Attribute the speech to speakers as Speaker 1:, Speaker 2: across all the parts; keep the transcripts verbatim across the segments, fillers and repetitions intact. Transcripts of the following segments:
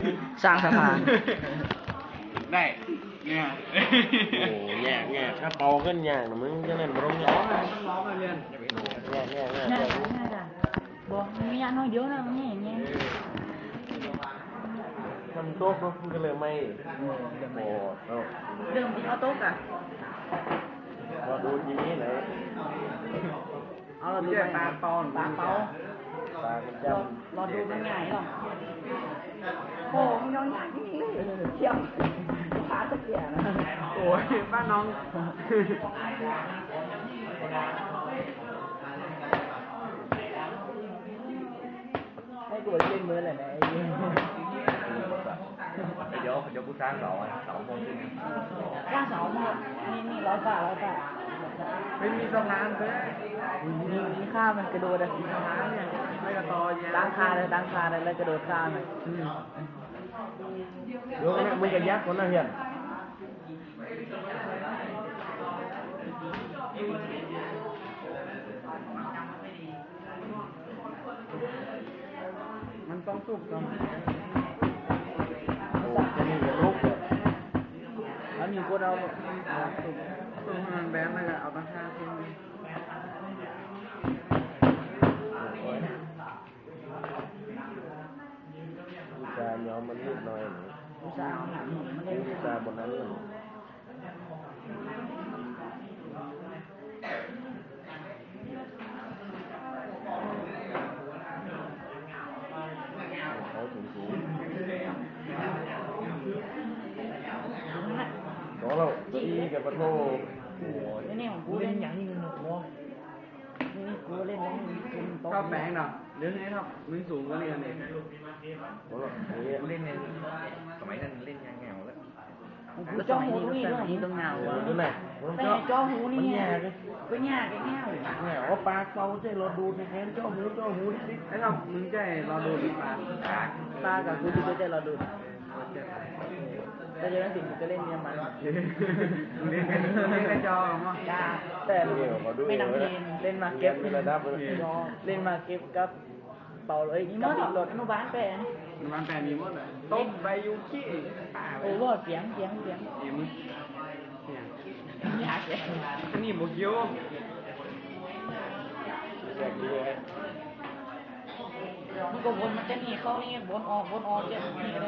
Speaker 1: สร้างสะพาน
Speaker 2: ได้เนี่ย
Speaker 3: โอ้แง่แง่ถ้าเป่าขึ้นแง่มึงจะเล่นบอลแง่
Speaker 2: ร้องเลยต้องร้องเลยเรียน
Speaker 3: แง่แง่แง่
Speaker 1: น่าจะน่าจะบอกมีอันน้อยเดียวนะนี่อย่างเงี้ย
Speaker 3: ทำโต๊ะมันก็เลยไม่โอ้เอา
Speaker 1: เดิมเอาโต๊ะอะ
Speaker 3: มาดูทีนี้ไหน
Speaker 1: เอาเราดู
Speaker 2: เจ้าตาเปา
Speaker 1: ตาเปา
Speaker 3: ตามันจ
Speaker 1: เราเราดูมันง่ายหรอโอ้มันน้อยยากจริงเลยเชี่ยวขาตะเกียบนะ
Speaker 2: โอ้ยบ้านน้อง
Speaker 1: ให้กูเล่นมือเลยนะไอ้เ
Speaker 3: เดี๋ยวเดี๋ยวกูสร้างเสาอ่ะเสาโมงครึ่ง
Speaker 1: ข้างเสามานี่นี่ร้อยบาทร้อยบาท
Speaker 2: ไม่มีสะพานเลย
Speaker 1: นี่นี่ข้ามมันกระโดดอะ
Speaker 2: สะพานเนี่ยไม่กระตอแย่
Speaker 1: ตั้งคาเลยตั้งคาเลยแล้วกระโดดข้ามเลย
Speaker 3: เดี๋ยวมึงจะยักคนน่ะเฮียน
Speaker 2: มันต้องสุกก่อน
Speaker 3: โอ้จะนี่จะลุกเลย
Speaker 1: แล้วมีคนเอา
Speaker 2: สุกสุกให้มันแบนแล้วก็เอาตั้งค่าขึ้น
Speaker 3: จานยอมมันนิดหน่อยหนู
Speaker 1: อุตส่าห์หาหนุนมัน
Speaker 3: เล่
Speaker 1: เล่
Speaker 3: น
Speaker 1: น
Speaker 3: จานบนนั้นหนูเขาสูงสูงขอเราตัวอีกับปะโทโอ้ย
Speaker 1: นี่นี่ของกูเล่นอย่างนี้มันหนุกวะนี่นี่กูเล่นแล้วมันเป็นโต๊ะ
Speaker 2: ชอบแบงเนาะเดี๋ยวนี้ครับมึงสูงก็เรียนเอง
Speaker 3: ขอเราเล่นในสมัยนั้นเล่นยังแงวแล้ว
Speaker 1: กูจ้องหูนี่ด้วยนี่ต้องเงา
Speaker 3: ดูไหน
Speaker 1: แต่จ้องหูนี่
Speaker 3: แง่เลย
Speaker 1: ก็ยากแง่
Speaker 3: แง่ว่าปากเป่าใช่เราดูในแขนเจ้าหูเจ้าหูนิด
Speaker 2: ไอ้เรามึงใจเราดูดีปลา
Speaker 1: ตากับกูดูใจเราดูแต่เดี๋ยวนั้นสิกูจะเล่นเนี่ยมัน
Speaker 2: เล่นกันเล่นกันจอมั้ง
Speaker 1: ยาแต่ไม่นำเพลงเล่นมาเก็บเล่นมาเก็บกับเป่าเลยนี่มันรถอนุบาลแปลง
Speaker 2: มันแปลมีหมดเลยต้มใบยูคิ
Speaker 1: โอ้โหเสียงเสียงเสียง
Speaker 2: เอ็มเนี่ย
Speaker 1: ยากเลย
Speaker 2: อันนี้บุกยิ้ว
Speaker 3: แง่ดีเลย
Speaker 1: มันก็วนมันจะนี่เข้านี่วนออกวนออกจะนี่เลย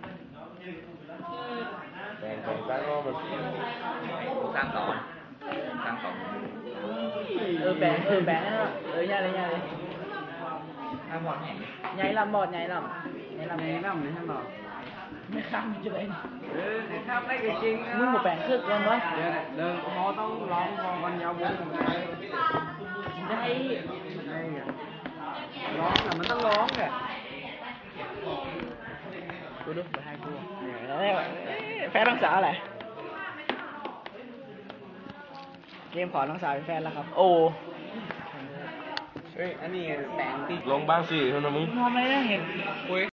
Speaker 3: แบ่งแบ่งตั้งก็มัน
Speaker 4: สร้างต่อสร้างต่อ
Speaker 1: เออแบงเออแบงเออใหญ่เลยใหญ่เลย
Speaker 4: ถ้าหมดแห่ง
Speaker 1: ใหญ่ลำบอดใหญ่ลำใหญ่ลำ
Speaker 2: ในน้ำในท่านบอก
Speaker 1: ไม่ข้ามจะเลย
Speaker 2: เออในทำได้ก็จริง
Speaker 1: มึงมาแบ่งครึ่งกันวะ
Speaker 2: เดี๋ยวเดินพอต้องร้องพอกันยาววงได้
Speaker 1: ได้
Speaker 2: ได้ร้องอ่ะมันต้องร้องแหละ
Speaker 1: กูดูไปให้กูแฟนน้องสาวอะไรเกมขอน้องสาวเป็นแฟนแล้วครับโอ้
Speaker 2: เฮ้ยอันนี้แสงติด
Speaker 3: ลงบ้างสิคุณมึง
Speaker 1: ทำอะไรได้เห็น
Speaker 2: คุย